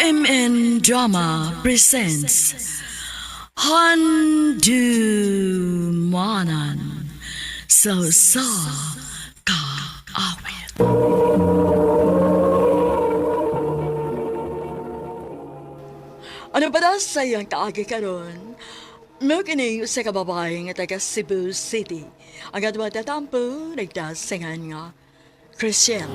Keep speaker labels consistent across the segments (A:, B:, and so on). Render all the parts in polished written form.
A: MN Drama presents Handumanan sa Kaawit. Ano ba daw sayang kaagi karon? Mo kini sa kababae nga taga Cebu City. Ang adwa tatampo nagdasingan nga Christian.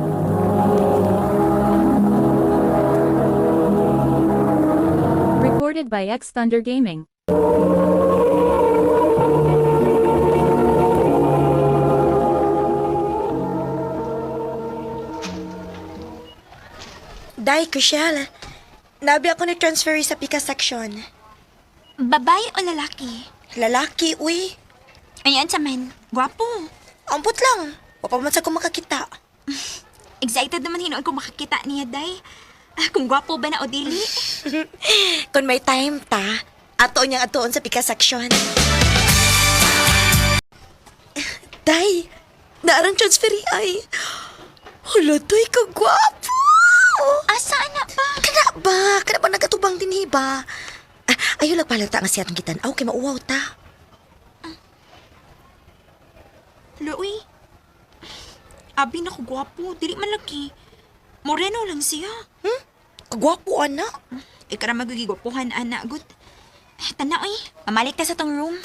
B: Recorded by X Thunder Gaming.
C: Day, Chriselle. Nabi ako ni-transfer sa Pika section.
D: Babae o lalaki?
C: Lalaki, uy.
D: Ayan sa man. Gwapo.
C: Ampot lang. Wapamansa ko makakita.
D: Excited naman hinoon kung makakita niya, Day. Kung gwapo ba na o dili?
C: Kung may time ta, ato niyang atoon sa Pika section. Day, naarang transfer ay. Hala, to'y kagwapo.
D: Asa na ba?
C: Kana ba nagkatubang din ba? Ayaw lang palata nga siya kitan. Aw, kay mauwaw ta.
D: Loy. Abi na ko gwapo. Dili man lagi. Moreno lang siya.
C: Kagwapo, anak.
D: Ikaw na magigigwapuhan, anak. Good. Tanaw eh. Mamalik ka sa tong room.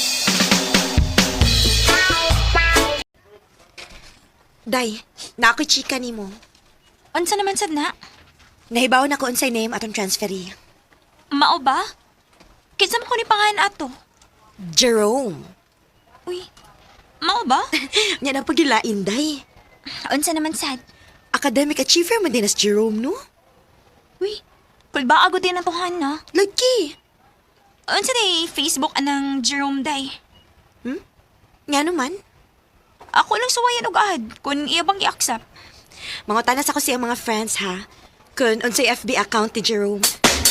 C: Day, na ako'y chika ni mo.
D: Unsa naman sad na?
C: Nahibaw na ko unsay name atong transferi.
D: Mao ba? Kinsa mo ko ni pangalan ato?
C: Jerome.
D: Uy. Mao ba?
C: Yan ang pagilain, Day.
D: Unsa naman sad?
C: Academic achiever man din as Jerome, no?
D: Uy. Kulba agad din ang tuhan na.
C: Lagi.
D: Unsa day Facebook anang Jerome Day?
C: Nga naman.
D: Ako lang suwayan og ahad kung iya bang i-accept.
C: Mga tanas ako siyang mga friends, ha? Kung unsay FB account ni Jerome.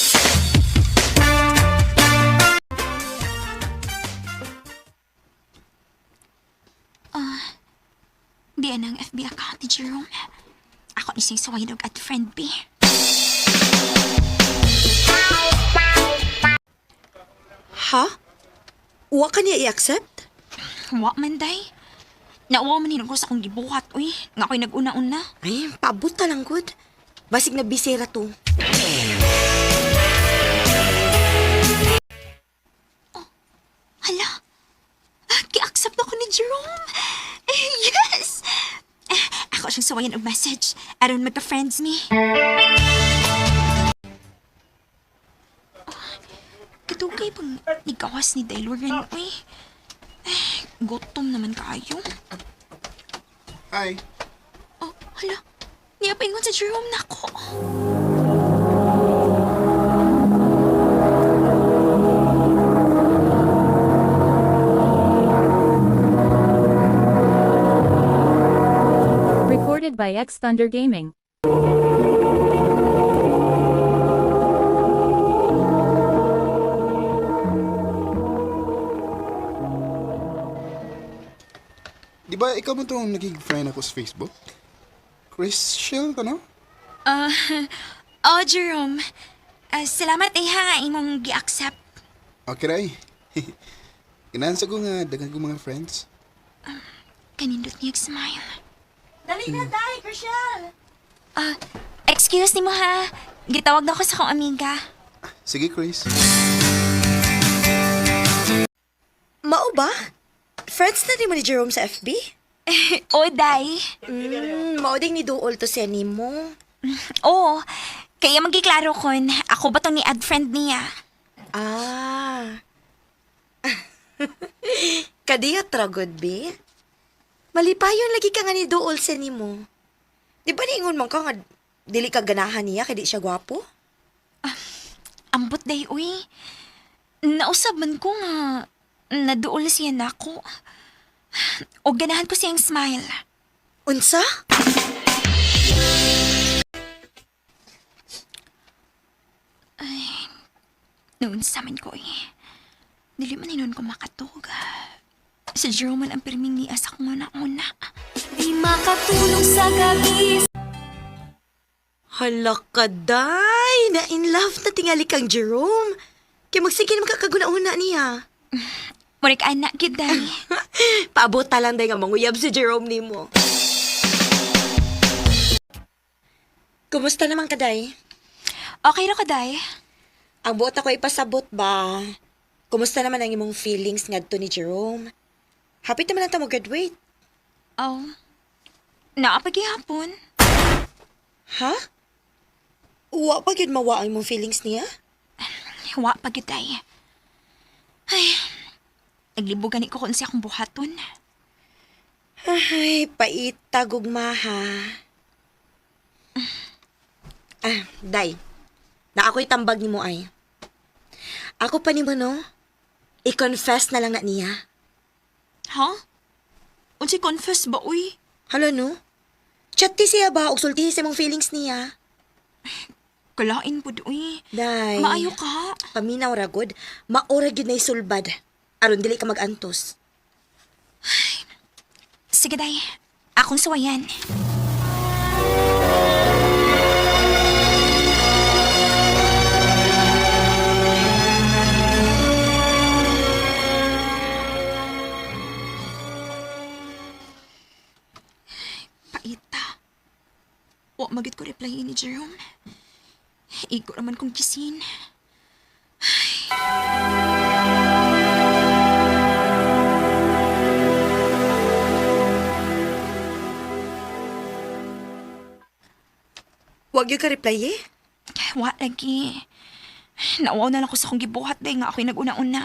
D: Di ang FB account ni Jerome. Ako ni siyang suwayan og at friend B.
C: Ha? Uwa ka niya i-accept?
D: Wa man day. Nauwa man hinag ko sa akong gibuhat, uy. Nga ako'y nag-una-una.
C: Ay, paabot na lang, good. Basig na bisera to.
D: Hala. Ki-accept ako ni Jerome. Yes! Ako siyang suwayan og message. Aron magka-friends me. Katugay bang nigawas ni Dailoran, uy. Gutom naman kayo.
E: Hi.
D: Oh, hala. Niya pa ingon sa Jerome na ako.
B: Recorded by X Thunder Gaming.
E: Di ba ikaw mo itong naging friend ako sa Facebook? Christian ka, no?
D: Jerome. Salamat ha imong gi-accept.
E: Okay, Ray. Ganahan sa ko nga dagang ko mga friends.
D: Kanindot niyag smile.
C: Dali na, Day, Chriselle.
D: Excuse ni mo ha. Gitawag na ako sa kong amiga.
E: Sige, Chris.
C: Mao ba? Friends na din mo ni Jerome sa FB?
D: O, Day.
C: Mao ding ni Duol to siya ni mo.
D: Oo. Kaya magiklaro kon, ako ba tong ni ad friend niya?
C: Ah. Kadiyot tragod, be? Malipayon lagi ka nga ni Duol siya ni mo. Di ba niingon man ka nga dili ka ganahan niya kaya di siya gwapo?
D: Ambot, Day, uy. Nausab man ko nga naduol siya na ako. O ganahan ko siyang smile.
C: Unsa?
D: Noon sa amin ko dili man hinon ko makatog. Sa Jerome man ang pirming ni asak mo na una.
F: Di makatulong sa gabi.
C: Hala ka, day. Na in love na tingali kang Jerome. Kaya magsige naman kakaguna-una niya.
D: Murik anak, gid, day.
C: Paabot lang day nga manguyab si Jerome ni mo. Kumusta naman ka, day?
D: Okay ra ka, day.
C: Ang buot ako ipasabot ba? Kumusta naman ang imong feelings ngadto ni Jerome? Happy naman na ta mo graduate.
D: Oh, naapagihapon.
C: Ha? Wa pa gyud mawa ang imong feelings niya?
D: Wa pa gid, day. Ay, naglibugan ko kung siya akong buhaton.
C: Ay, paita gugma ha. Day. Na ako'y tambag ni mo ay. Ako pa ni mo no? I-confess na lang na niya.
D: Ha? Unsi confess ba, uy?
C: Hala no? Chat ti siya ba og sultihi sa imong feelings niya?
D: Kalain po, uy.
C: Day.
D: Maayo ka.
C: Paminaw ragod, maura gyud na isulbad. Aron dili ka magantos.
D: Sige, day. Akong sawayan. Paita. Wa magit ko reply ni Jerome. Igo naman kong kisin.
C: Wag gyud ka reply eh.
D: Wa lagi. Nauwaw na lang ko sa akong gibuhat day nga ako'y nag-una-una.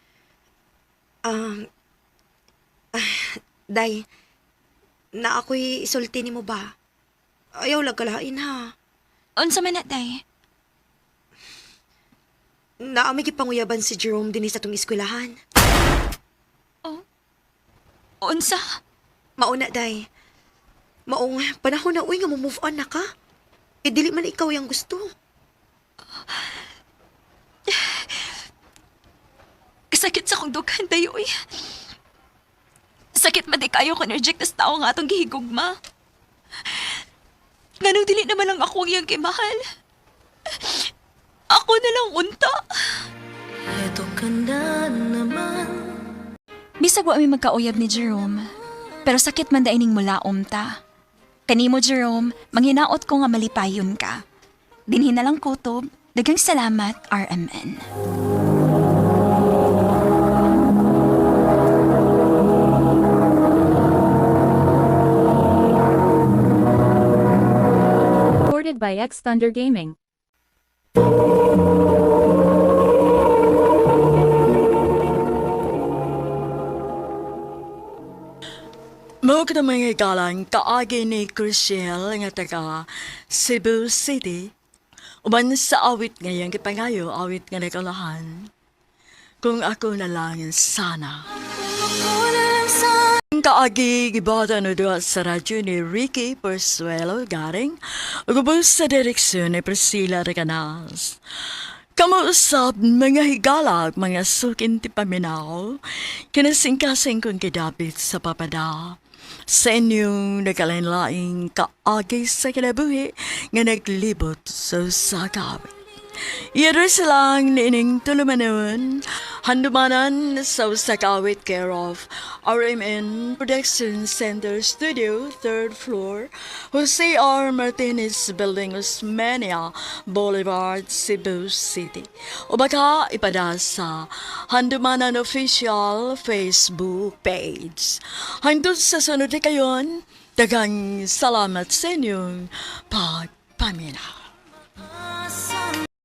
C: Day, na ako'y isulti ni mo ba? Ayaw lang kalain ha.
D: Unsa man na, day?
C: Na may gipanguyaban si Jerome din sa tong eskwelahan.
D: Unsa?
C: Mauna, day. Maong panahon na uy nga mo move on na ka. E dili man ikaw yung gusto.
D: Kasakit sa akong dughan, day, uy. Sakit man di kayo ko nerject na tao nga atong gihigugma. Nga nung dili naman lang ako ang iyang kimahal. Ako na lang unta.
F: Eto ka na naman.
D: Bisag wa mi magkauyab ni Jerome, pero sakit man daining mula ta. Kanimo Jerome, manghinaot ko nga malipayon ka. Dinhin na lang kutob, daghang salamat RMN.
B: Recorded by X Thunder Gaming.
A: Mo ka mga galang kaagi ni Crucial nga taga Cebu City. Uban sa awit ngayang kipangayo, awit nga nakalahan. Kung ako na lang sana. Kaagi gibata no doon sa radyo ni Ricky Persuelo garing ugubos sa direksyon ni Priscilla Reganas. Kamuusap mga higala mga sukin ti paminaw kinasingkasing kong kidapit sa papada sa inyong nagkalain-laing kaagi sa kinabuhi nga naglibot sa sakawit. Iyador silang niining tulumanon, handumanan sa Usakawit care of RMN Production Center Studio, 3rd floor, Jose R. Martinez Building, Osmeña Boulevard, Cebu City. O baka ipada sa Handumanan Official Facebook page. Hangtod sa sunod na kayon, dagang salamat sa inyong pagpaminaw.